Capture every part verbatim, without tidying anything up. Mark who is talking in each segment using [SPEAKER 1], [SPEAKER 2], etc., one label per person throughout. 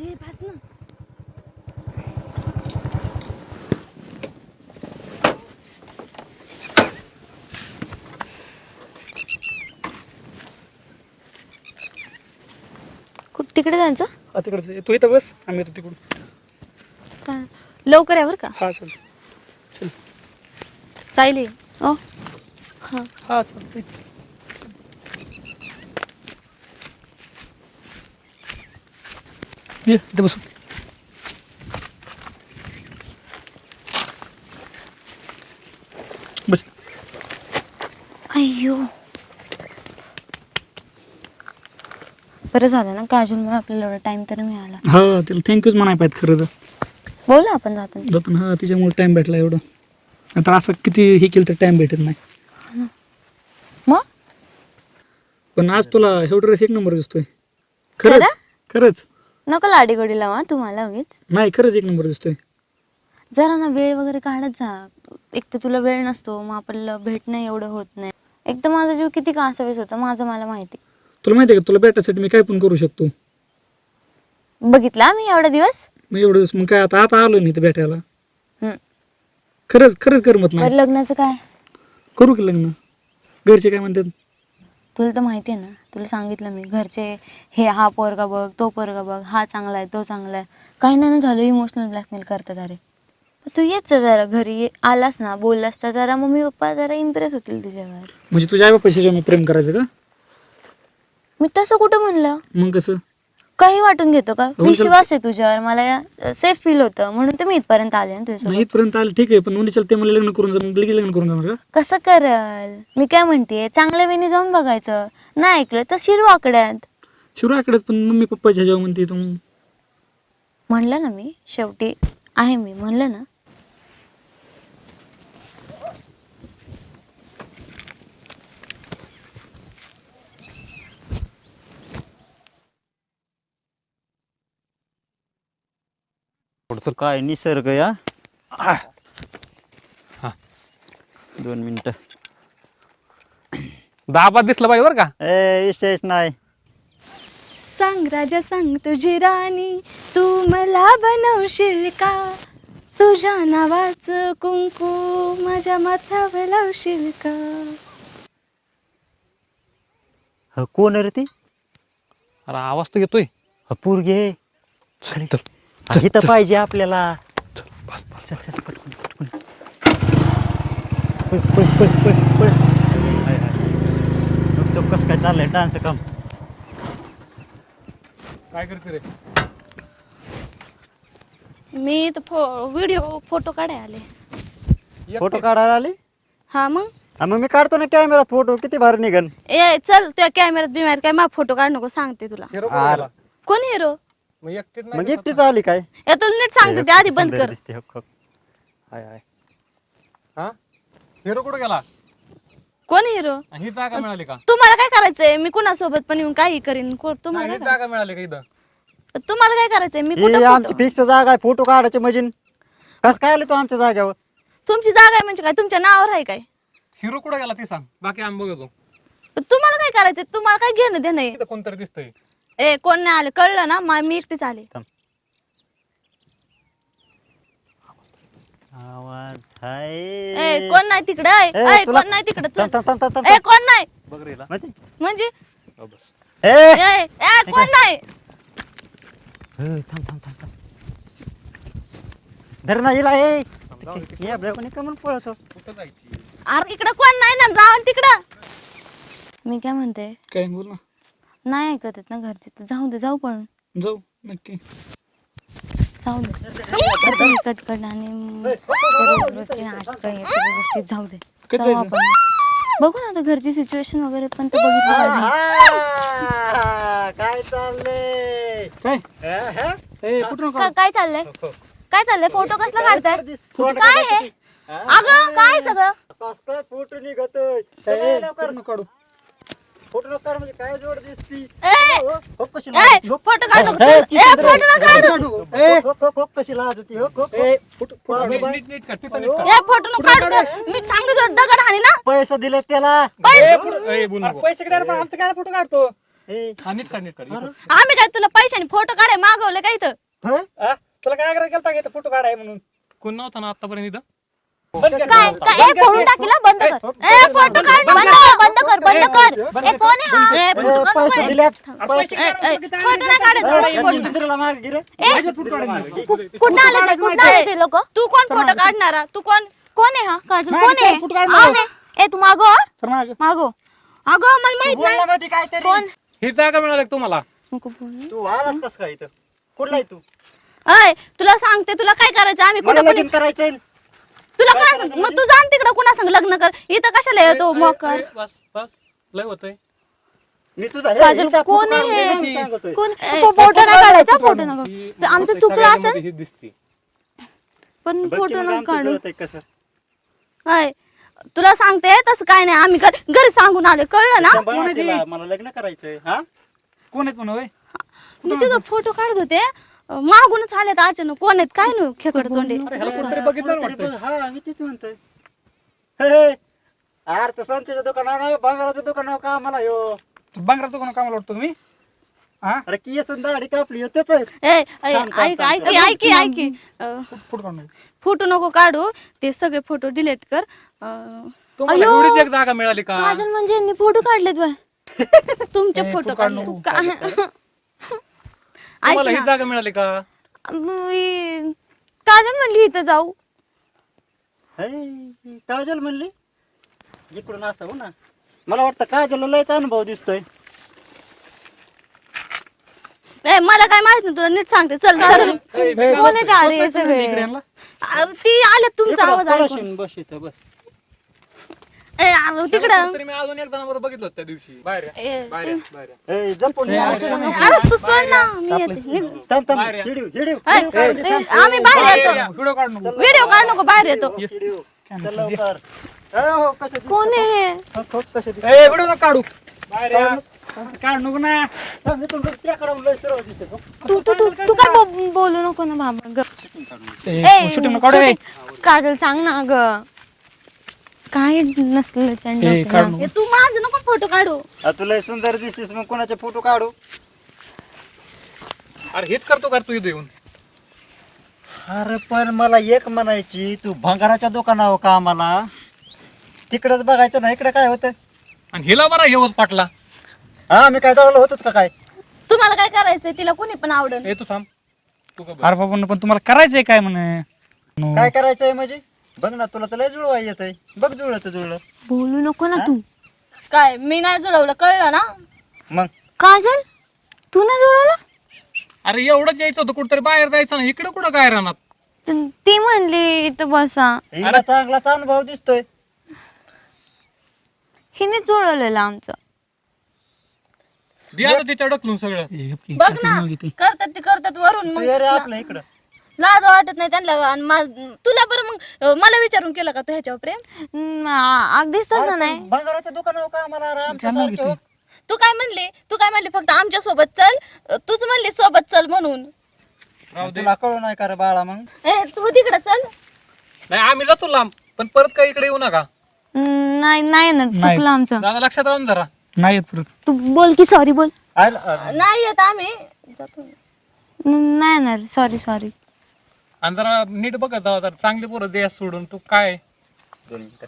[SPEAKER 1] अरे बस ना. कुठं तिकडे जायचं?
[SPEAKER 2] हा तिकडे तू इथं बस, आम्ही येतो तिकडून.
[SPEAKER 1] चा- लवकर या बरं का.
[SPEAKER 2] हा चल चल.
[SPEAKER 1] सायली. ओ हा.
[SPEAKER 2] हा चल. ये इथं बसू. बस.
[SPEAKER 1] अय्यो. बरं झालं ना काजलमुळे आपल्याला एवढा टाइम तरी मिळाला.
[SPEAKER 2] हा तिला थँक्यूच म्हणाय पाहिजे खरं तर.
[SPEAKER 1] बोला आपण जाताना.
[SPEAKER 2] जातो ना. हा तिच्यामुळे टाइम भेटला एवढं. नंतर असं किती हे केलं तर टाइम भेटत नाही.
[SPEAKER 1] मग
[SPEAKER 2] पण आज तुला एवढं ड्रेस एक नंबर दिसतोय. खरंच
[SPEAKER 1] खरं?
[SPEAKER 2] खरंच.
[SPEAKER 1] नको लाडी गोडी लावा तुम्हाला उगीच.
[SPEAKER 2] नाही खरंच एक नंबर दिसतोय.
[SPEAKER 1] जरा ना वेळ वगैरे काढत जा. एक तर तुला वेळ नसतो, मग आपल्याला भेटणं एवढं होत नाही. एक तर माझा जीव किती कासावीस होता माझं मला माहिती.
[SPEAKER 2] तुला माहिती आहे का तुला भेटायसाठी मी काय पण करू शकतो.
[SPEAKER 1] बघितला मी एवढा दिवस.
[SPEAKER 2] मग एवढं दिवस मग काय आता आता आलो नाही इथं भेटायला.
[SPEAKER 1] हम्म.
[SPEAKER 2] खरंच खरंच करमत नाही.
[SPEAKER 1] बरं लग्नाचं काय?
[SPEAKER 2] करू की लग्न. घरचे काय म्हणतात?
[SPEAKER 1] तुला तर माहिती आहे ना, तुला सांगितलं मी घरचे हे हा पोरगा बघ तो पोरगा बघ हा चांगला आहे तो चांगला आहे. काही नाही झालं इमोशनल ब्लॅकमेल करतात. अरे तू येच जरा घरी ये, आलास ना बोललास तर जरा मम्मी पप्पा जरा इम्प्रेस होतील तुझ्यावर.
[SPEAKER 2] म्हणजे तुझ्या आई बापाशी मी प्रेम करायचं का?
[SPEAKER 1] मी तसं कुठं म्हणलं?
[SPEAKER 2] मग कसं?
[SPEAKER 1] काही वाटून घेतो का?
[SPEAKER 2] चल-
[SPEAKER 1] विश्वास आहे तुझ्यावर, मला सेफ फील होतं म्हणून तर मी इथपर्यंत आले ना
[SPEAKER 2] नाही
[SPEAKER 1] तुझ्यासोबत.
[SPEAKER 2] इथपर्यंत आलं ठीक आहे, पण उन्ही चलते मला लग्न करून जा, लगेच लग्न करून जाणार का?
[SPEAKER 1] कसं करल? मी काय म्हणते चांगल्या वेळी जाऊन बघायचं. नाही ऐकलं तर शिरू आकड्यात.
[SPEAKER 2] शिवराकडे पण मम्मी पप्पाच्या जेव्हा म्हणते तू.
[SPEAKER 1] म्हणलं ना मी शेवटी आहे मी म्हणलं ना.
[SPEAKER 3] पुढचं काय निसर्ग या. दोन मिनिट.
[SPEAKER 4] दहा पाच दिसलं पाहिजे बरं का.
[SPEAKER 3] ए विशेष नाही.
[SPEAKER 1] सांग राजा सांग तुझी राणी तू मला बनवशील का? तुझ्या नावाचं कुंकू माझ्या माथ्यावर लावशील का?
[SPEAKER 3] ह कोण रे ती?
[SPEAKER 4] अरे आवाज तर येतोय.
[SPEAKER 3] ह पोरगे.
[SPEAKER 4] चल
[SPEAKER 3] हे तर पाहिजे आपल्याला. चल चल पटकन पटकन. पळ पळ पळ पळ पळ. हाय हाय. बघ तो कसं काय चाललंय डान्स काम.
[SPEAKER 4] काय करते रे?
[SPEAKER 1] मी तर फो व्हिडिओ फोटो काढाय आले.
[SPEAKER 3] फोटो काढायला आली?
[SPEAKER 1] हा मग
[SPEAKER 3] हा, मग मी काढतो ना कॅमेरात फोटो. किती भारी निघन.
[SPEAKER 1] ए चल त्या कॅमेऱ्यात बिमार काय मा फोटो काढ नको सांगते तुला.
[SPEAKER 4] हिरो
[SPEAKER 3] आर.
[SPEAKER 4] कोणाला?
[SPEAKER 1] कोण हिरो?
[SPEAKER 4] मग एकटीच नाही
[SPEAKER 3] मग
[SPEAKER 4] दिसत
[SPEAKER 3] एकटीच
[SPEAKER 4] ना.
[SPEAKER 3] आली काय?
[SPEAKER 1] ए तुला नीट सांगते ते आधी बंद
[SPEAKER 3] सुंदर
[SPEAKER 1] कर.
[SPEAKER 3] दिसते, हक, हक. हाय हाय.
[SPEAKER 4] हा हिरो कुठे गेला?
[SPEAKER 1] कोण हिरो?
[SPEAKER 4] आणि ही जागा मिळाली का?
[SPEAKER 1] तुम्हाला काय करायचंय? मी कुणासोबत पण येऊन काही करीन. को- तुम्हाला
[SPEAKER 4] नाही,
[SPEAKER 1] काय
[SPEAKER 4] ही जागा मिळाली का इथं?
[SPEAKER 1] करायचंय? तुम्हाला काय करायचंय? मी
[SPEAKER 3] ही
[SPEAKER 1] कुठं
[SPEAKER 3] आमची
[SPEAKER 1] फोटो-
[SPEAKER 3] फिक्स जागा आहे फोटो काढायचे मजीन. कस काय आले तू आमच्या जाग्यावर?
[SPEAKER 1] तुमची जागा आहे म्हणजे काय तुमच्या नावावर आहे काय?
[SPEAKER 4] हिरो कुठे गेला ते सांग, बाकी आम्ही बघतो.
[SPEAKER 1] तुम्हाला काय करायचंय? तुम्हाला काय घेणं देणं आहे?
[SPEAKER 4] इथं कोणतरी दिसतंय.
[SPEAKER 1] ए कोण नाही आले कळलं ना? मा- मी एकटीच आले.
[SPEAKER 3] आवाज हाय.
[SPEAKER 1] ए कोण नाही तिकडे?
[SPEAKER 3] ए,
[SPEAKER 1] ए
[SPEAKER 3] तुला-
[SPEAKER 1] कोण नाही तिकडे?
[SPEAKER 3] थांब, थांब, थांब, थांब, थांब.
[SPEAKER 1] ए कोण नाही?
[SPEAKER 4] बघ रे हिला.
[SPEAKER 3] म्हणजे?
[SPEAKER 1] म्हणजे
[SPEAKER 4] हो, बस.
[SPEAKER 3] ए,
[SPEAKER 1] ए ए कोण नाही?
[SPEAKER 3] ए, थांब थांब थांब थांब. धर ना हिला. ए ये आपल्या कोणी का म्हणून पळतो.
[SPEAKER 4] कुठं जायची?
[SPEAKER 1] अरे इकडे कोण नाही ना जाऊन तिकडं. मी काय म्हणते
[SPEAKER 2] काय बोल ना.
[SPEAKER 1] नाही ऐकत आहेत ना घरचे तर जाऊ दे जाऊ पण
[SPEAKER 2] जाऊ नक्की.
[SPEAKER 1] जाऊ दे कटकट आणि रोजचे नाटकं हे सगळ्या गोष्टी जाऊ दे.
[SPEAKER 2] कधी
[SPEAKER 1] जाऊ
[SPEAKER 2] जायचं?
[SPEAKER 1] आपण बघू ना आता घरची सिच्युएशन वगैरे पण तर बघितलं पाहिजे.
[SPEAKER 3] आहा, काय चाललंय?
[SPEAKER 2] काय
[SPEAKER 3] हा, हा?
[SPEAKER 2] ए कुठं
[SPEAKER 1] का- काय चाललंय काय चाललंय? फोटो कसला काढताय?
[SPEAKER 3] फोटो
[SPEAKER 1] काय आहे?
[SPEAKER 3] हा?
[SPEAKER 1] अगं काय सगळं?
[SPEAKER 3] कस काय फोटो निघतोय?
[SPEAKER 2] ए,
[SPEAKER 3] लवकर
[SPEAKER 2] नको काढू.
[SPEAKER 3] फोटो नको काढ म्हणजे काय जोड दिसती.
[SPEAKER 1] ए
[SPEAKER 3] हो, हो, कशी
[SPEAKER 1] ए
[SPEAKER 3] लाज- हो,
[SPEAKER 1] फोटो काढ नको.
[SPEAKER 3] ए,
[SPEAKER 1] ए
[SPEAKER 3] चित्र-
[SPEAKER 1] फोटो नका काढू.
[SPEAKER 2] काढू. ए,
[SPEAKER 3] हो, हो, हो, कशी लाज होती. हो, हो, हो.
[SPEAKER 2] ए, फुट- फुट-
[SPEAKER 3] बाबा,
[SPEAKER 4] नीट
[SPEAKER 3] बाबा.
[SPEAKER 4] नीट नीट कर, तिथं नीट कर.
[SPEAKER 1] ए फोटो नको काढू. मी सांगते तुला दगड हाणी ना.
[SPEAKER 3] पैसे दिले त्याला.
[SPEAKER 4] ए, पुढं- ए, बोल
[SPEAKER 2] अरे
[SPEAKER 4] नको.
[SPEAKER 2] पैसे किती पण आमचं काय फोटो काढतो.
[SPEAKER 3] ए,
[SPEAKER 4] हा नीट काढ नीट काढ इथं.
[SPEAKER 5] आम्ही काय तुला पैशाने फोटो काढाय मागवले काय इथं
[SPEAKER 3] हं?
[SPEAKER 2] आ, तुला काय आग्रह केलता का फोटो काढाय म्हणून
[SPEAKER 4] कोण नव्हता ना आतापर्यंत इथं
[SPEAKER 1] काय काय ए फोडून टाकीला बंद कर ए फोटो काढ बंद कर बंद कर बंद कर ए कोण आहे हा
[SPEAKER 5] ए,
[SPEAKER 3] ए,
[SPEAKER 5] फोटो काढ
[SPEAKER 3] पैसे
[SPEAKER 5] ना.
[SPEAKER 3] दिल्यात
[SPEAKER 2] पैसे
[SPEAKER 5] ए, ए, फोटो नाही काढायचा
[SPEAKER 3] यांची चित्रीला मागे गिरे
[SPEAKER 1] कुठं आले ते कुठं आले ते लोक
[SPEAKER 5] तू कोण फोटो काढणारा तू कोण
[SPEAKER 1] कोण आहे हा काजल
[SPEAKER 2] नाही,
[SPEAKER 1] कोण आहे
[SPEAKER 2] सर, फोटो काढ
[SPEAKER 1] हा,
[SPEAKER 2] मागं.
[SPEAKER 1] नाही. ए तू मागो हा.
[SPEAKER 2] सर मागे
[SPEAKER 1] मागो
[SPEAKER 5] अगं मला माहित नाही
[SPEAKER 3] बोलण्यामध्ये काहीतरी
[SPEAKER 1] कोण
[SPEAKER 4] ही जागा मिळाली का तुम्हाला
[SPEAKER 1] नको बोलू.
[SPEAKER 3] तू आलास कस काय इथं कुठला आहे तू
[SPEAKER 5] अय तुला सांगते तुला काय करायचं आम्ही
[SPEAKER 3] मला
[SPEAKER 5] कुठे
[SPEAKER 3] लगीन करायचंय
[SPEAKER 5] तुला काय सांग मग तू जाण तिकडं कुणा सांग लग्न कर इथं कशाला येतो
[SPEAKER 4] ए,
[SPEAKER 5] मोकर
[SPEAKER 4] ए, बस बस लय होतंय
[SPEAKER 3] मी तुझा हे,
[SPEAKER 1] काजल
[SPEAKER 3] हिचा
[SPEAKER 1] कोण
[SPEAKER 3] फोटो
[SPEAKER 1] आहे
[SPEAKER 3] काढून
[SPEAKER 1] हे?
[SPEAKER 3] सांगतोय.
[SPEAKER 1] कोण फोटो नाही काढायचा फोटो नको
[SPEAKER 4] ही
[SPEAKER 1] ते आमचं
[SPEAKER 4] बहुतेक
[SPEAKER 1] चुकलं
[SPEAKER 4] सगळ्यांमध्ये
[SPEAKER 1] असेल
[SPEAKER 4] ही दिसते
[SPEAKER 1] पण
[SPEAKER 3] बघ की
[SPEAKER 1] फोटो
[SPEAKER 3] मग
[SPEAKER 1] नको
[SPEAKER 3] आमचं
[SPEAKER 1] काढू
[SPEAKER 3] जुळत आहे कसं
[SPEAKER 5] अय तुला सांगते तसं काय नाही आम्ही घरी घरी सांगून आले कळलं ना
[SPEAKER 3] सांभाळ
[SPEAKER 2] कोण आहे
[SPEAKER 3] तिला,
[SPEAKER 2] ती?
[SPEAKER 3] मला लग्न करायचंय हा
[SPEAKER 2] कोण आहेत म्हणा होय
[SPEAKER 5] मी तुझा फोटो काढत होते अं, मागूनच आले तर अचानक कोण आहेत काय नाही खेकड तोंडे
[SPEAKER 4] अरे ह्याला कोणतरी बघितलं ना
[SPEAKER 3] कोणतरी
[SPEAKER 4] वाटतं
[SPEAKER 3] बघ, हा मी तेच म्हणतोय हे, हे. अरे तर संतीच्या दुकानावर नाही भांगाराच्या दुकानावर का मला यो
[SPEAKER 2] बांगरा तो कोण कामाला वाटतो तुम्ही हा
[SPEAKER 3] अरे की येसन दाढी कापली हो त्याच आहे.
[SPEAKER 5] ए ऐ-
[SPEAKER 3] थांब, थांब,
[SPEAKER 5] ऐक
[SPEAKER 3] थांब,
[SPEAKER 5] ऐक
[SPEAKER 3] थांब.
[SPEAKER 5] ऐक ऐक अं,
[SPEAKER 2] फोटो काढून
[SPEAKER 5] फोटो नको काढू ते सगळे फोटो डिलीट कर अं,
[SPEAKER 4] तुम्हाला
[SPEAKER 1] अयो.
[SPEAKER 4] एवढीच एक जागा मिळाली का
[SPEAKER 1] काजल म्हणजे यांनी फोटो काढलेत बाय
[SPEAKER 5] तुमचे
[SPEAKER 2] ए,
[SPEAKER 5] फोटो
[SPEAKER 2] फोटो
[SPEAKER 5] काढले
[SPEAKER 2] काढ नको.
[SPEAKER 1] का-
[SPEAKER 4] तुम्हाला
[SPEAKER 5] ऐक
[SPEAKER 4] ही
[SPEAKER 5] ना.
[SPEAKER 4] जागा मिळाली का
[SPEAKER 1] मी- काजल म्हणली इथं जाऊ
[SPEAKER 3] हे, काजल म्हणली इकडून असं हो ना मला वाटतं काजलला लयच अनुभव दिसतोय
[SPEAKER 5] ए, मला काय माहित नाही तुला नीट सांगते चल चल
[SPEAKER 4] ए,
[SPEAKER 1] कोण आहे ते आले हे सगळे
[SPEAKER 2] इकडे यांना.
[SPEAKER 5] अं, ती आले तुमचा
[SPEAKER 3] इकडं
[SPEAKER 5] आवाज ऐकून
[SPEAKER 3] पळशीन, बस इथं बस
[SPEAKER 5] ए अरे, तिकडं
[SPEAKER 4] तरी मी अजून एक जणांबरोबर बघितलं होतं त्या दिवशी बाहेर या,
[SPEAKER 5] ए,
[SPEAKER 4] बाहेर या, बाहेर या.
[SPEAKER 3] ए, जपून ये.
[SPEAKER 5] अरे तू सोड ना मी येते निघ.
[SPEAKER 3] थांब थांब
[SPEAKER 4] बाहेर या.
[SPEAKER 3] हिडीव, हिडीव,
[SPEAKER 5] ए,
[SPEAKER 3] हिडीव काढून दे,
[SPEAKER 5] ए,
[SPEAKER 3] थांब.
[SPEAKER 5] आम्ही बाहेर येतो
[SPEAKER 2] व्हिडिओ काढ नको
[SPEAKER 5] व्हिडिओ काढ नको बाहेर येतो
[SPEAKER 3] हिडीव. चल लवकर. ए, हो, कसं दिसतंय?
[SPEAKER 1] कोण आहे हे
[SPEAKER 3] हो, हो, कसं दिसतंय?
[SPEAKER 2] ए व्हिडिओ नको काढू
[SPEAKER 4] बाहेर या.
[SPEAKER 2] काढ नको ना
[SPEAKER 3] थांब, इथून बघ, त्याकडं लय सरळ दिसतंय, हो.
[SPEAKER 1] तू तू तू तू काय बो- बोलू नको ना बाबा ग
[SPEAKER 2] ए शूटिंग नको काढू ए.
[SPEAKER 1] काजल सांग ना ग काय नसलं
[SPEAKER 2] ए काढ नको
[SPEAKER 5] ए, तू माझं नको फोटो काढू
[SPEAKER 3] आ, तू लय सुंदर दिसतीस मग कोणाचे फोटो काढू
[SPEAKER 4] अरे हेच करतो का तू इथं येऊन
[SPEAKER 3] अरे पण मला एक म्हणायची तू भंगाराच्या दुकानावर का आम्हाला तिकडच बघायचं ना इकडे काय होतं
[SPEAKER 4] आणि हिला बरा येऊच पाटला
[SPEAKER 3] हा मी काय जवळ होतोच का काय
[SPEAKER 5] तुम्हाला काय करायचंय तिला कोणी पण आवडेल
[SPEAKER 4] ए तू थांब तू का बघ.
[SPEAKER 2] अरे बाबा पण तुम्हाला करायचंय काय म्हणे नो.
[SPEAKER 3] काय करायचंय म्हणजे बघ ना तुला तर लय जुळवा येत आहे बघ जुळलं तर जुळलं
[SPEAKER 1] बोलू नको ना तू
[SPEAKER 5] काय मी नाही जुळवलं कळलं ना
[SPEAKER 3] मग
[SPEAKER 1] काजल तू नाही जुळवलं
[SPEAKER 4] अरे एवढंच यायचं होतं कुठतरी बाहेर जायचं ना इकडे कुठं काय राहणार
[SPEAKER 1] त- ती म्हणली इथं बसा
[SPEAKER 3] हिला चांगलाच अनुभव दिसतोय
[SPEAKER 1] हिने जुळवलेलं आमचं
[SPEAKER 4] दे आता तिच्या ढकलून सगळं
[SPEAKER 2] ए, गप की.
[SPEAKER 5] बघ
[SPEAKER 2] त्याची
[SPEAKER 5] ना
[SPEAKER 2] नाव घेते.
[SPEAKER 5] करतात ते करतात वरून
[SPEAKER 3] तू
[SPEAKER 5] मग
[SPEAKER 3] ये रे आपल्या इकडं
[SPEAKER 5] लाज वाटत नाही त्यांना आणि मा- तुला बरं मग अं, मला विचारून केलं का तू ह्याच्यावर प्रेम
[SPEAKER 1] हम्म, आ- अगदीच तसं
[SPEAKER 3] अरे
[SPEAKER 1] नाही
[SPEAKER 3] पण भंगाराच्या दुकानावर का आम्हाला अरे आमच्या
[SPEAKER 2] त्यांना
[SPEAKER 3] सारखे
[SPEAKER 2] घेते.
[SPEAKER 3] हो.
[SPEAKER 5] तू काय म्हणली तू काय म्हणली फक्त आमच्या सोबत चल अं, तूच म्हणली सोबत चल म्हणून
[SPEAKER 4] राहू दे
[SPEAKER 3] तुला कळू नाही का रे बाळा मग
[SPEAKER 5] ए तू तिकडे चल
[SPEAKER 4] नाही आम्ही जातो लांब पण परत काय इकडे येऊ नका
[SPEAKER 1] हम्म, नाही नाही ना
[SPEAKER 2] नाही.
[SPEAKER 1] चुकलं आमचं
[SPEAKER 4] दादा लक्षात राहून जरा
[SPEAKER 2] नाही येत परत
[SPEAKER 1] तू बोल की सॉरी बोल
[SPEAKER 3] आयला- अरे,
[SPEAKER 5] नाही येत आम्ही जातो
[SPEAKER 1] न- नाही ना सॉरी सॉरी
[SPEAKER 4] आणि जरा नीट बघत जावा जरा चांगली पोरं दे सोडून तू काय
[SPEAKER 3] दोन मिनिटं.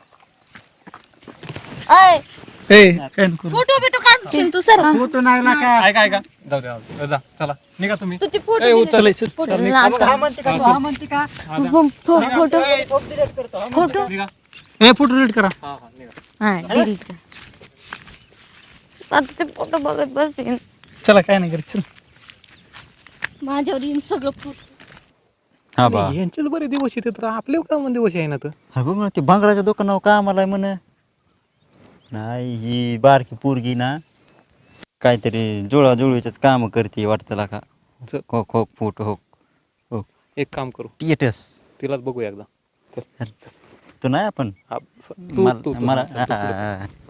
[SPEAKER 5] अय
[SPEAKER 2] ए काय नको
[SPEAKER 5] फोटो बिटो काढशील तू सर
[SPEAKER 3] फोटो नाही ना का
[SPEAKER 4] ऐका ऐका जाऊ द्या जाऊ द्या. जा चला निघा तुम्ही
[SPEAKER 5] तू ती फोटो
[SPEAKER 4] ए,
[SPEAKER 5] delete-
[SPEAKER 4] उचल.
[SPEAKER 2] चल चल
[SPEAKER 3] मग हा म्हणते का तू हा म्हणते का
[SPEAKER 4] हा, जा.
[SPEAKER 1] फो- फो- फोटो
[SPEAKER 4] ए,
[SPEAKER 3] फोटो डिलीट करतो हा.
[SPEAKER 1] फोटो
[SPEAKER 4] निघा
[SPEAKER 2] ए फोटो रेड करा
[SPEAKER 4] हा हा निघा
[SPEAKER 1] हा डिलीट कर आता ते फोटो बघत बसते
[SPEAKER 2] चला काय नाही करत चल
[SPEAKER 5] माझ्यावर येईन सगळं फोटो
[SPEAKER 3] हा बा
[SPEAKER 4] यांचेच बरे दिवस येते तर आपले का म्हणून दिवस आहे ना तर
[SPEAKER 3] हा बघ ना ते भांगराच्या दुकानावर का आम्हाला म्हण नाही ही बारकी पोरगी ना काहीतरी जुळाजुळवीच काम करते वाटतं का
[SPEAKER 4] चल.
[SPEAKER 3] हो हो फोटो हो हो
[SPEAKER 4] एक काम करू
[SPEAKER 3] टिएटस
[SPEAKER 4] तिलाच बघू एकदा
[SPEAKER 3] तू नाही आपण
[SPEAKER 4] हा, तू
[SPEAKER 3] मला
[SPEAKER 4] तू- तू
[SPEAKER 3] मला
[SPEAKER 4] चल, तू पुढे.
[SPEAKER 3] हा, हा, हा.